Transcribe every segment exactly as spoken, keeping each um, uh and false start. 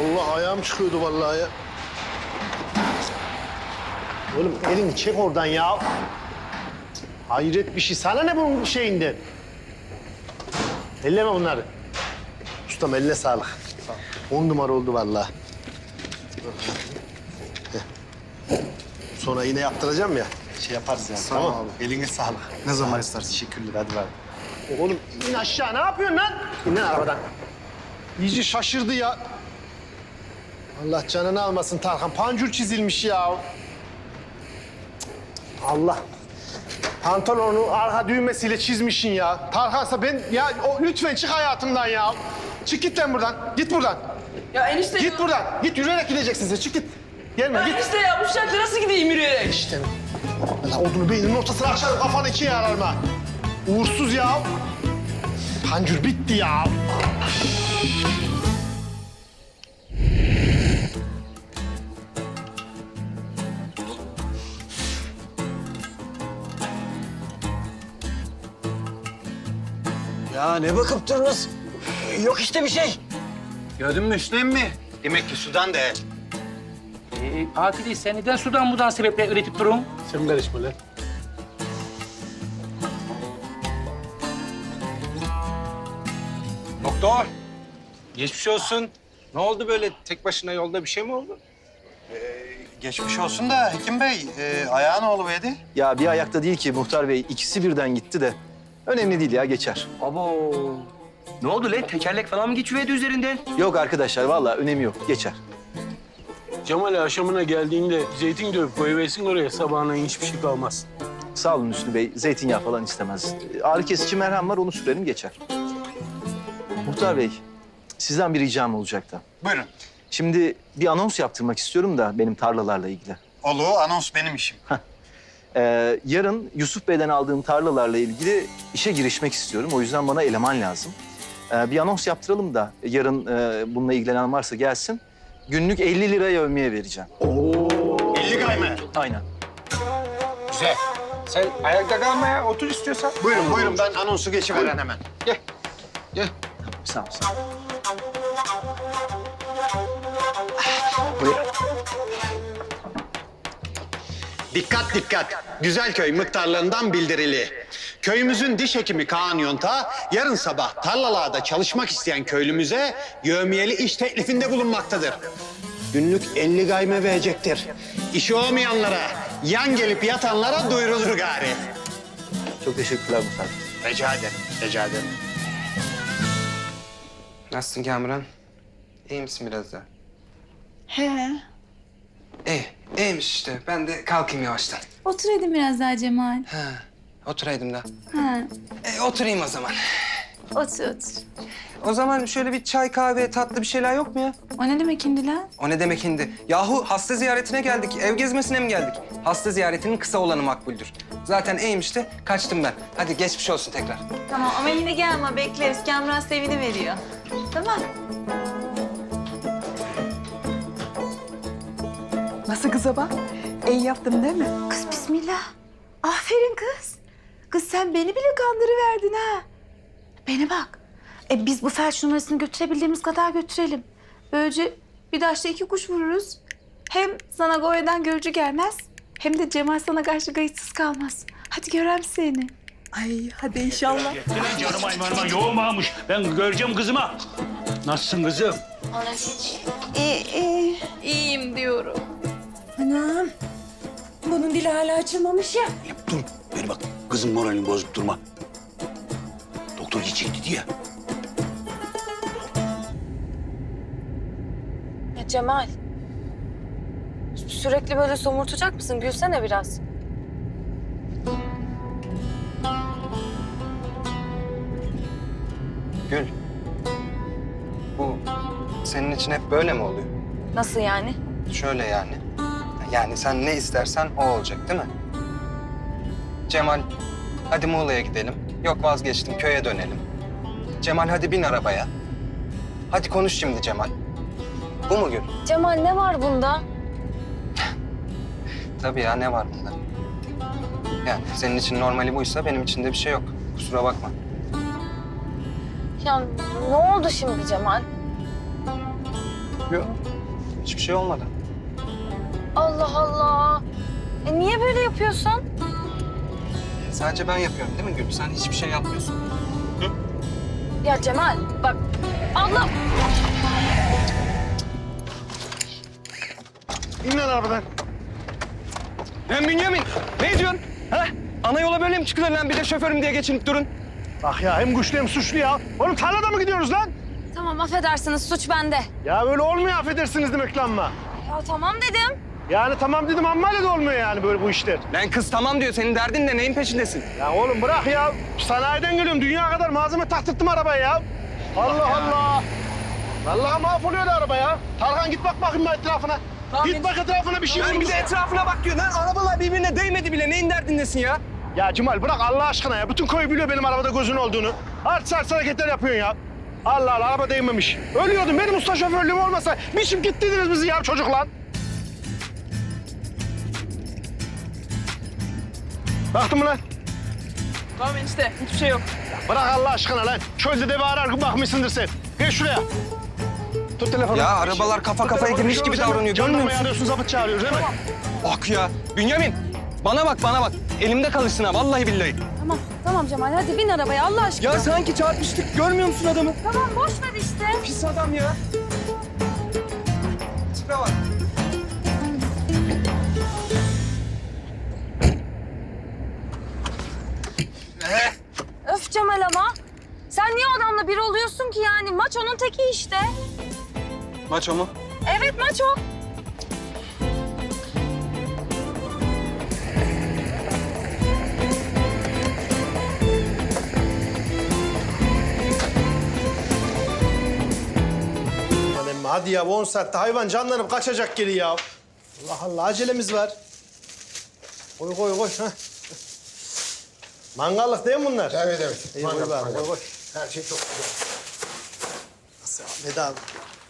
Allah ayağım çıkıyordu vallahi ya. Oğlum elini çek oradan ya. Hayret bir şey. Sana ne bunun şeyinden? Elleme bunları. Ustam eline sağlık. On numara oldu vallahi. Sonra yine yaptıracağım ya. Şey yaparız yani. Sağ tamam ol abi. Eline sağlık. Ne zaman istersin? Teşekkürler. Hadi ver. Oğlum in aşağı. Ne yapıyorsun lan? İn lan arabadan. İyice şaşırdı ya. Allah canını almasın Tarkan. Pancur çizilmiş ya. Allah. Pantolonu arka düğmesiyle çizmişsin ya. Tarkan'sa ben... Ya o, lütfen çık hayatımdan ya. Çık git lan buradan. Git buradan. Ya enişte Git ya. buradan. Git yürüyerek gideceksin sen. Çık git. Gelme Ya git. enişte ya bu şarkı nasıl gideyim yürüyerek? İşte. Allah odunu beyninin ortasına açar kafanı ikiye yararım ha. Uğursuz ya. Pancur bitti ya. Ya ne bakıp durunuz? Yok işte bir şey. Gördün mü Hüsnü mi? Demek ki sudan değil. Ee, Akili sen neden sudan budan sebeple üretip durun? Sen karışma lan. Doktor, geçmiş olsun. Ne oldu böyle tek başına yolda bir şey mi oldu? Geçmiş olsun da Hekim Bey, e, ayağı ne oluverdi? Ya bir ayakta değil ki Muhtar Bey. İkisi birden gitti de. Önemli değil ya, geçer. Abo. Ne oldu lan? Tekerlek falan mı geçiverdi üzerinden? Yok arkadaşlar, vallahi önemi yok. Geçer. Cemal akşamına geldiğinde zeytin dövüp koyuversin oraya, sabahına hiçbir şey kalmaz. Sağ olun Hüsnü Bey. Zeytinyağı falan istemez. Ağrı kesici merhem var, onu sürelim geçer. Muhtar Bey, sizden bir ricam olacaktı. Buyurun. Şimdi bir anons yaptırmak istiyorum da benim tarlalarla ilgili. Olu, anons benim işim. Ee, yarın Yusuf Bey'den aldığım tarlalarla ilgili işe girişmek istiyorum. O yüzden bana eleman lazım. Ee, bir anons yaptıralım da yarın e, bununla ilgilenen varsa gelsin. Günlük elli lira yevmiye vereceğim. elli gayme. Aynen. Güzel. Sen ayakta kalmaya otur istiyorsan. Buyurun, buyurun. Ben anonsu geçiveren hemen. Gel. Gel. Sağ ol. Dikkat dikkat. Güzelköy muhtarlığından bildirili. Köyümüzün diş hekimi Kaan Yonta yarın sabah tarlalarda çalışmak isteyen köylümüze yevmiyeli iş teklifinde bulunmaktadır. Günlük elli gayme verecektir. İşi olmayanlara, yan gelip yatanlara duyurulur gari. Çok teşekkürler Muhtar Bey. Rica ederim, rica ederim. Nasılsın Kamuran? İyi misin biraz daha? He. İyi, iyiymiş işte. Ben de kalkayım yavaştan. Oturaydım biraz daha Cemal. Ha, oturaydım da. Ha. E, oturayım o zaman. Otur otur. O zaman şöyle bir çay, kahve, tatlı bir şeyler yok mu ya? O ne demek indi lan? O ne demek hindi? Yahu hasta ziyaretine geldik, ev gezmesine mi geldik? Hasta ziyaretinin kısa olanı makbuldür. Zaten iyiymiş de kaçtım ben. Hadi geçmiş olsun tekrar. Tamam ama yine gelme bekleriz. Kamran sevini veriyor. Tamam. Nasıl kıza bak? İyi yaptım değil mi? Kız bismillah. Aferin kız. Kız sen beni bile kandırıverdin ha. Bana bak. E biz bu felç numarasını götürebildiğimiz kadar götürelim. Böylece bir taşla iki kuş vururuz. Hem sana Goya'dan görücü gelmez. Hem de Cemal sana karşı kayıtsız kalmaz. Hadi görem seni. Ay hadi inşallah. Senin canım aymanıma yoğun varmış. Ben göreceğim kızıma. Nasılsın kızım? İyi, iyi. İyiyim diyorum. Anam. Bunun dili hala açılmamış ya. Dur, beni bak. Kızın moralini bozup durma. Doktor gidecek dedi ya. Ya Cemal. Sürekli böyle somurtacak mısın? Gülsene biraz. Gül. Bu senin için hep böyle mi oluyor? Nasıl yani? Şöyle yani. Yani sen ne istersen o olacak değil mi? Cemal, hadi Muğla'ya gidelim. Yok vazgeçtim, köye dönelim. Cemal hadi bin arabaya. Hadi konuş şimdi Cemal. Bu mu Gül? Cemal ne var bunda? Tabii ya ne var bunda? Yani senin için normali buysa benim için de bir şey yok. Kusura bakma. Ya ne oldu şimdi Cemal? Yok. Hiçbir şey olmadı. Allah Allah. E niye böyle yapıyorsun? Sadece ben yapıyorum değil mi Gül? Sen hiçbir şey yapmıyorsun. Ya Cemal bak. Allah. İn lan arabadan. Lan Bünyamin ne diyorsun? Ha? Ana yola böyle mi çıkılır lan bir de şoförüm diye geçinip durun? Bak ya hem güçlü hem suçlu ya. Oğlum tarlada mı gidiyoruz lan? Tamam affedersiniz suç bende. Ya böyle olmuyor affedersiniz demek lan ama. Ya tamam dedim. Yani tamam dedim amma öyle de olmuyor yani böyle bu işler. Lan kız tamam diyor senin derdin ne neyin peşindesin? Ya oğlum bırak ya. Sanayiden geliyorum. Dünya kadar malzeme taktırttım arabaya ya. Allah Allah. Vallahi mahvoluyor da araba ya. Tarhan git bak bakayım etrafına. Git bak etrafına bir şey var Lan mı? bir de etrafına bak diyor lan arabalar birbirine değmedi bile neyin derdindesin ya? Ya Cemal bırak Allah aşkına ya. Bütün köy biliyor benim arabada gözün olduğunu. Art sart hareketler yapıyorsun ya. Allah Allah araba değmemiş. Ölüyordum. Benim usta şoförlüğüm olmasa biçim gittiydiniz bizi ya çocuk lan. Baktın mı lan? Tamam enişte hiçbir şey yok. Bırak Allah aşkına lan. Çölde de bir arar bakmışsındır sen. Geç şuraya. Tut telefonu. Ya arabalar kafa Tut kafaya telefonu, girmiş bir şey gibi olmaz davranıyor, değil mi? görmüyor Jandarmayı musun? arıyorsun, zabıt çağırıyoruz değil mi? Bak ya Bünyamin bana bak bana bak elimde kalışsın ha vallahi billahi. Tamam tamam Cemal hadi bin arabaya Allah aşkına. Ya sanki çarpıştık görmüyor musun adamı? Tamam boş ver işte. Pis adam ya. Tipe bak. Öf Cemal ama. Sen niye adamla bir oluyorsun ki yani? Maç onun teki işte. Maç o mu? Evet maç o. Aman emmi hadi ya on saatte hayvan canlanıp kaçacak geri ya. Allah Allah acelemiz var. Koy koy koy. Heh. Mangallık değil mi bunlar? Evet evet. İyi, koy bari, koy koy. Her şey çok güzel. Nasıl ya Veda abi?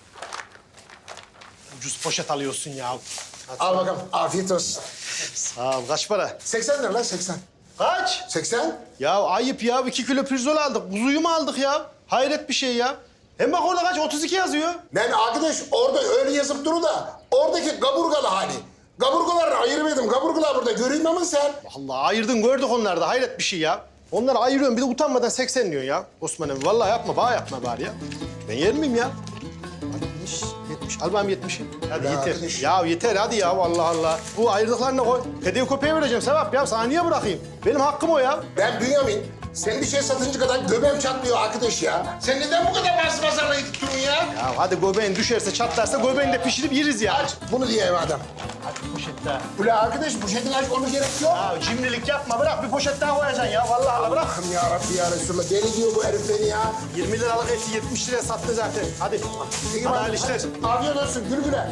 Ucuz poşet alıyorsun ya. Hadi. Al bakalım. Afiyet olsun. Sağ ol. Kaç para? seksen lira lan seksen. Kaç? seksen? Ya ayıp ya. iki kilo pirzol aldık. Kuzuyu mu aldık ya? Hayret bir şey ya. Hem bak orada kaç? otuz iki yazıyor. Ben arkadaş orada öyle yazıp duru da oradaki kaburgalı hali. Kaburgaları ayırmadım. Kaburgalar burada göreyim ama sen. Allah ayırdın gördük onları da. Hayret bir şey ya. Onları ayırıyorsun bir de utanmadan seksen diyorsun ya. Osman emmi vallahi yapma. Bana yapma bari ya. Ben yer miyim ya? altmış, yetmiş. Al bakayım yetmişi. Hadi Ya yeter. arkadaş. Ya yeter hadi ya Allah Allah. Bu ayırdıklarını koy. Hediye köpeğe vereceğim Sevap ya. Sana niye bırakayım? Benim hakkım o ya. Ben Bünyamin. Sen bir şey satınca kadar göbeğim çatlıyor arkadaş ya. Sen neden bu kadar bas pazarla gidip durun ya? Ya hadi göbeğin düşerse çatlarsa göbeğini de pişirip yeriz ya. Aç bunu diyeyim adam. Hadi poşet daha. Ula arkadaş poşetin aç onu gerek yok. Ya cimrilik yapma bırak bir poşet daha koyacaksın ya. Vallahi Allah bırak. Allah'ım ya Rabbi ya Resulallah. Deli diyor bu herif beni ya. yirmi liralık eti yetmiş liraya sattı zaten. Hadi. İyi Hadi bak, hayırlı işler. Afiyet olsun gül güle.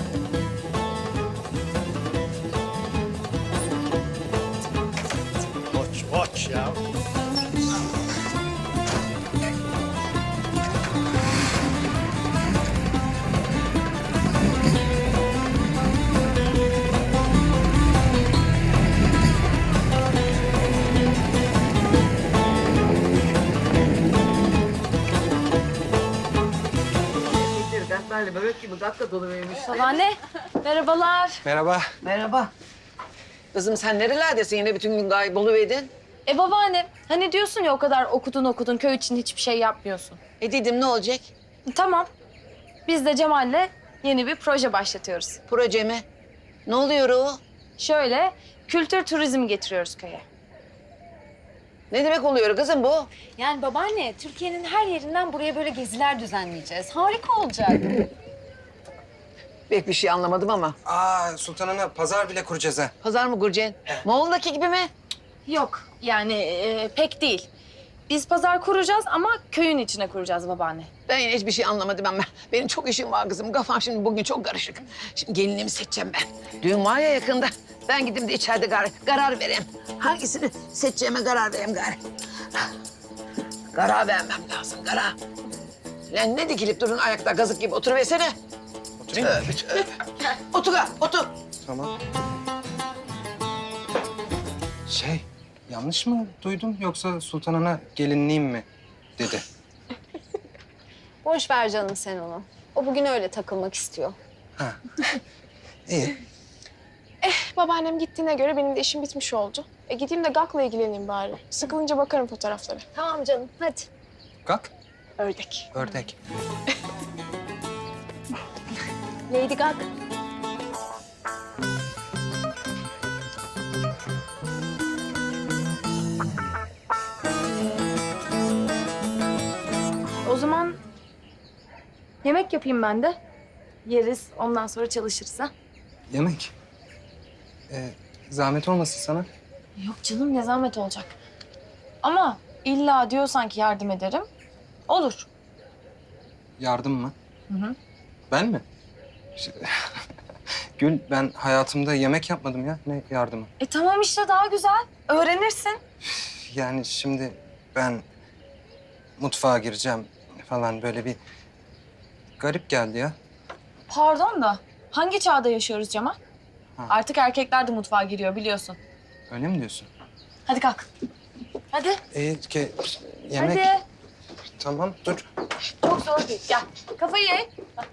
Koç koç ya. Dertlerle bebek gibi dakika dolu vermiş. Babaanne merhabalar. Merhaba. Merhaba. Kızım sen nerelerdesin yine bütün gün kayboluverdin? E babaanne hani diyorsun ya o kadar okudun okudun köy için hiçbir şey yapmıyorsun. E dedim ne olacak? Tamam. Biz de Cemal'le yeni bir proje başlatıyoruz. Proje mi? Ne oluyor o? Şöyle kültür turizmi getiriyoruz köye. Ne demek oluyor kızım bu? Yani babaanne Türkiye'nin her yerinden buraya böyle geziler düzenleyeceğiz. Harika olacak. Pek bir şey anlamadım ama. Aa Sultan Ana pazar bile kuracağız ha. Pazar mı Gurcen? Moğol'daki gibi mi? Yok yani e, pek değil. Biz pazar kuracağız ama köyün içine kuracağız babaanne. Ben yine hiçbir şey anlamadım ama. Benim çok işim var kızım. Kafam şimdi bugün çok karışık. Şimdi gelinimi seçeceğim ben. Düğün var ya yakında. Ben gideyim de içeride karar, karar vereyim. Hangisini seçeceğime karar vereyim gari. Karar vermem lazım, karar. Lan ne dikilip durun ayakta gazık gibi oturuversene. Oturayım mı? Tövbe, tövbe. Otur ha, otur. Tamam. Şey yanlış mı duydum yoksa Sultan Ana gelinliğim mi dedi. Boş ver canım sen onu. O bugün öyle takılmak istiyor. İyi. Babaannem gittiğine göre benim de işim bitmiş oldu. E gideyim de Gak'la ilgileneyim bari. Sıkılınca bakarım fotoğraflara. Tamam canım, hadi. Kalk. Ördek. Ördek. Lady Gak. O zaman yemek yapayım ben de. Yeriz, ondan sonra çalışırız ha. Yemek. Ee, zahmet olmasın sana. Yok canım, ne zahmet olacak. Ama illa diyorsan ki yardım ederim, olur. Yardım mı? Hı hı. Ben mi? Ş- Gül, ben hayatımda yemek yapmadım ya. Ne yardımı? E tamam işte, daha güzel. Öğrenirsin. Yani şimdi ben mutfağa gireceğim falan böyle bir garip geldi ya. Pardon da hangi çağda yaşıyoruz Cemal? Ha. Artık erkekler de mutfağa giriyor biliyorsun. Öyle mi diyorsun? Hadi kalk. Hadi. Ee, ke, yemek. Hadi. Tamam, dur. Çok zor değil. Gel. Kafayı ye.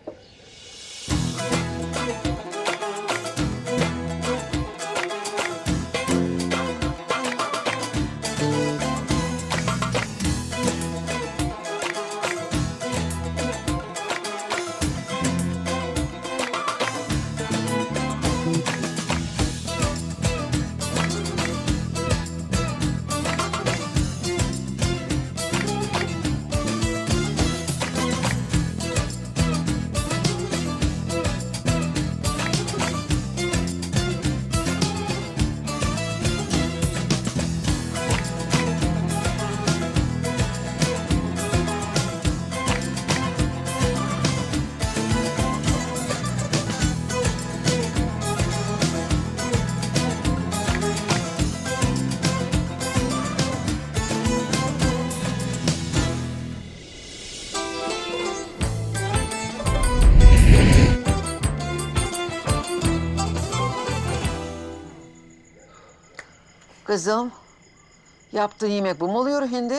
Kızım, yaptığın yemek bu mu oluyor hindi?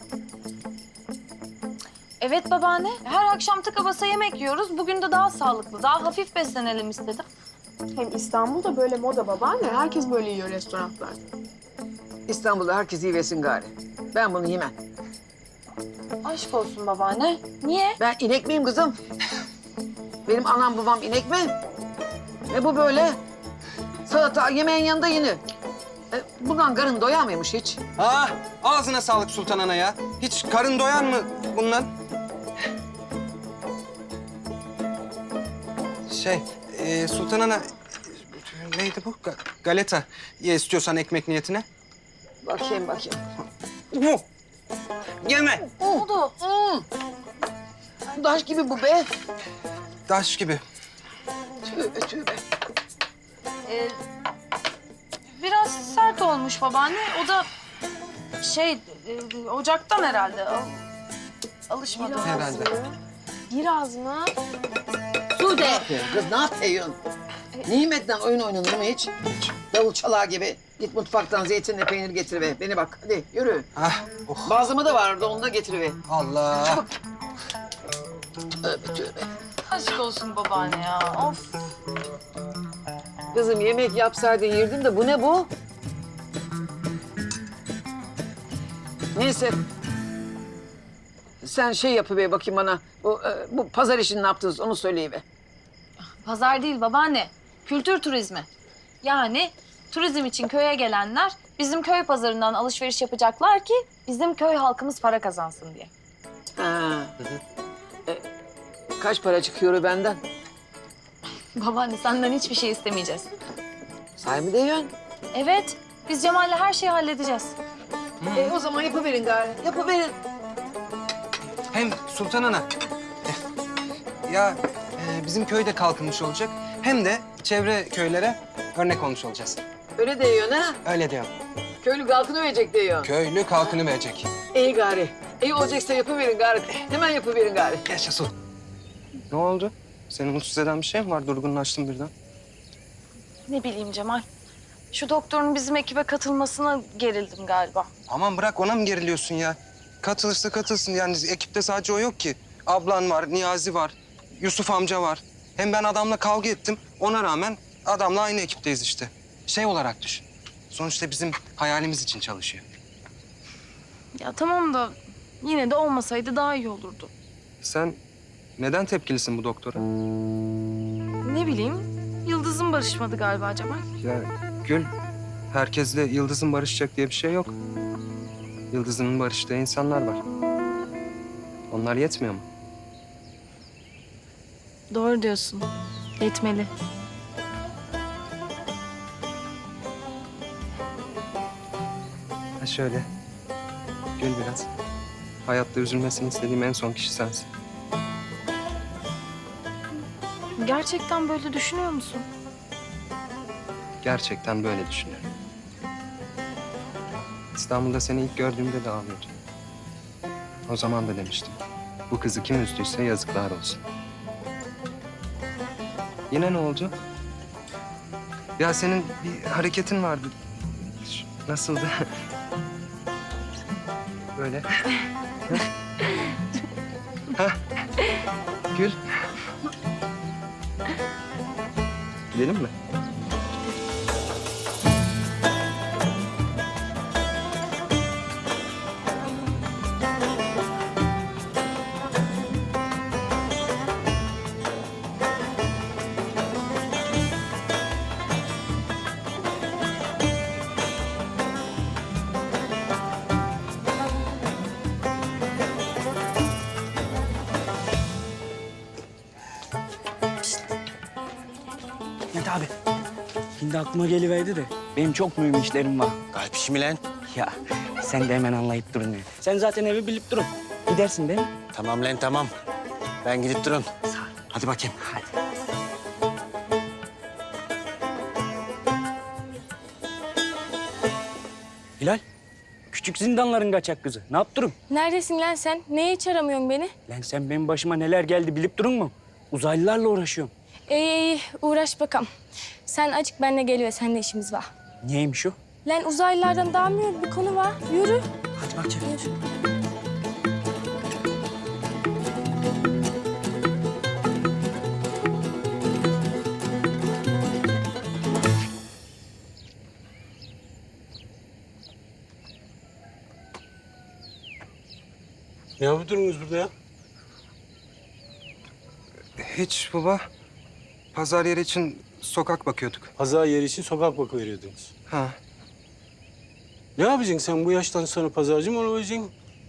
Evet babaanne. Her akşam tıka basa yemek yiyoruz. Bugün de daha sağlıklı, daha hafif beslenelim istedim. Hem İstanbul'da böyle moda babaanne. Herkes böyle yiyor restoranlarda. İstanbul'da herkes iyi yesin gari. Ben bunu yemem. Aşk olsun babaanne. Niye? Ben inek miyim kızım? Benim anam babam inek mi? Ne bu böyle? Salata yemeğin yanında yenir. E, bundan karın doyar mıymış hiç? Ah, ağzına sağlık Sultan Ana ya. Hiç karın doyan mı bundan? Şey, e, Sultan Ana... Neydi bu? Ga- galeta. Ye istiyorsan ekmek niyetine. Bakayım bakayım. Uh! Yeme. Ne oldu? Hmm. Daş gibi bu be. Taş gibi. Tövbe tövbe. Ee, biraz sert olmuş babaanne. O da şey, e, ocaktan herhalde. Al, alışmadı. Herhalde. Biraz mı? Sude. Kız ne yapıyorsun? Nimetten oyun oynanır mı hiç? Davul çalağı gibi. Git mutfaktan zeytinle peynir getir be. Beni bak hadi yürü. Ah, oh. Bazlama da vardı onu da getir be. Allah. Çabuk. Tövbe tövbe. Aşk olsun babaanne ya. Of. Kızım yemek yapsaydın yerdim de bu ne bu? Neyse. Sen şey yapıver bakayım bana. Bu, e, bu pazar işini ne yaptınız onu söyleyiver. Pazar değil babaanne. Kültür turizmi. Yani turizm için köye gelenler bizim köy pazarından alışveriş yapacaklar ki bizim köy halkımız para kazansın diye. Ha. E, kaç para çıkıyor benden? Babaanne senden hiçbir şey istemeyeceğiz. Sahi mi diyorsun? Evet, biz Cemal'le her şeyi halledeceğiz. E, o zaman yapıverin gari. Yapıverin. Hem Sultan Ana. eh, Ya e, bizim köy de kalkınmış olacak. Hem de çevre köylere örnek olmuş olacağız. Öyle diyorsun ha? Öyle diyorum. Köylü halkını verecek diyor. Köylü kalkını verecek. İyi gari. İyi olacaksa yapıverin gari. Hemen yapıverin gari. Yaşasın. Ne oldu? Seni mutsuz eden bir şey mi var? Durgunlaştın birden. Ne bileyim Cemal. Şu doktorun bizim ekibe katılmasına gerildim galiba. Aman bırak, ona mı geriliyorsun ya? Katılırsa katılsın. Yani ekipte sadece o yok ki. Ablan var, Niyazi var. Yusuf amca var. Hem ben adamla kavga ettim. Ona rağmen adamla aynı ekipteyiz işte. Şey olarak düşün. Sonuçta bizim hayalimiz için çalışıyor. Ya tamam da yine de olmasaydı daha iyi olurdu. Sen neden tepkilisin bu doktora? Ne bileyim, Yıldız'ın barışmadı galiba Cemal. Ya Gül, herkesle Yıldız'ın barışacak diye bir şey yok. Yıldız'ın barıştığı insanlar var. Onlar yetmiyor mu? Doğru diyorsun. Yetmeli. Ha şöyle, gül biraz. Hayatta üzülmesini istediğim en son kişi sensin. Gerçekten böyle düşünüyor musun? Gerçekten böyle düşünüyorum. İstanbul'da seni ilk gördüğümde de ağlıyordum. O zaman da demiştim. Bu kızı kim üzdüyse yazıklar olsun. Yine ne oldu? Ya senin bir hareketin vardı. Ş- Nasıldı? Böyle. Ha? Gül. Gidelim mi? Net abi. Şimdi aklıma geliverdi de benim çok mühim işlerim var. Kalp işi mi lan? Ya sen de hemen anlayıp durun ya. Sen zaten evi bilip durun. Gidersin değil mi? Tamam lan tamam. Ben gidip durun. Hadi bakayım. Hadi. Hilal, küçük zindanların kaçak kızı. Ne yaptırım? Neredesin lan sen? Neye hiç aramıyorsun beni? Lan sen benim başıma neler geldi bilip durun mu? Uzaylılarla uğraşıyorum. İyi iyi uğraş bakalım. Sen açık benimle gel ve seninle işimiz var. Neymiş o? Lan uzaylılardan daha mühim bir konu var. Yürü. Hadi bakayım. Yürü. Ne yapıyorsunuz burada ya? Hiç baba. Pazar yeri için sokak bakıyorduk. Pazar yeri için sokak bakıveriyordunuz. Ha. Ne yapacaksın sen bu yaştan sonra pazarcı mı olacaksın?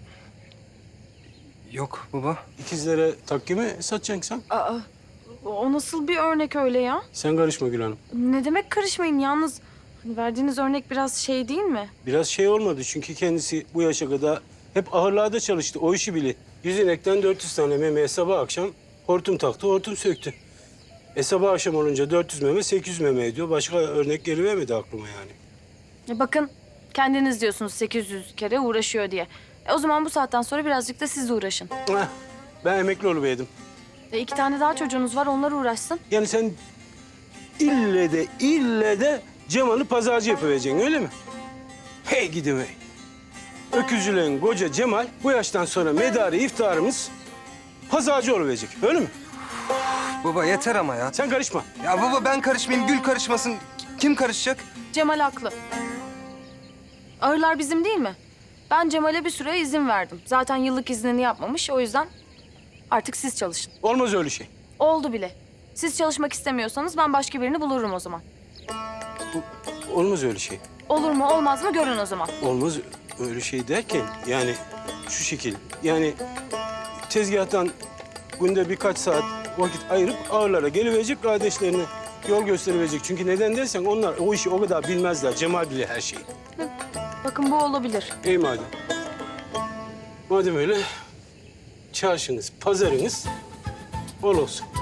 Yok baba. İkizlere takki mi satacaksın sen? Aa, o nasıl bir örnek öyle ya? Sen karışma Gül Hanım. Ne demek karışmayın yalnız? Hani verdiğiniz örnek biraz şey değil mi? Biraz şey olmadı çünkü kendisi bu yaşa kadar hep ahırlarda çalıştı. O işi bili. Yüz inekten dört yüz tane memeye sabah akşam hortum taktı, hortum söktü. E sabah akşam olunca dört yüz meme, sekiz yüz meme ediyor. Başka örnek gelivermedi aklıma yani. E bakın kendiniz diyorsunuz sekiz yüz kere uğraşıyor diye. E o zaman bu saatten sonra birazcık da siz uğraşın. Heh, ben emekli oluverdim. E iki tane daha çocuğunuz var onlar uğraşsın. Yani sen ille de ille de Cemal'i pazarcı yapıvereceksin öyle mi? Hey gidim hey. Öküzcülerin koca Cemal bu yaştan sonra medarı iftarımız pazarcı oluverecek öyle mi? Baba yeter ama ya. Sen karışma. Ya baba ben karışmayayım, Gül karışmasın. Kim karışacak? Cemal haklı. Ağırlar bizim değil mi? Ben Cemal'e bir süre izin verdim. Zaten yıllık iznini yapmamış o yüzden artık siz çalışın. Olmaz öyle şey. Oldu bile. Siz çalışmak istemiyorsanız ben başka birini bulurum o zaman. Olmaz öyle şey. Olur mu olmaz mı görün o zaman. Olmaz öyle şey derken yani şu şekil. Yani tezgahtan günde birkaç saat vakit ayırıp ağırlara geliverecek, kardeşlerine yol gösteriverecek. Çünkü neden dersen onlar o işi o kadar bilmezler. Cemal bilir her şeyi. Bakın bu olabilir. İyi madem. Madem öyle çarşınız, pazarınız bol olsun.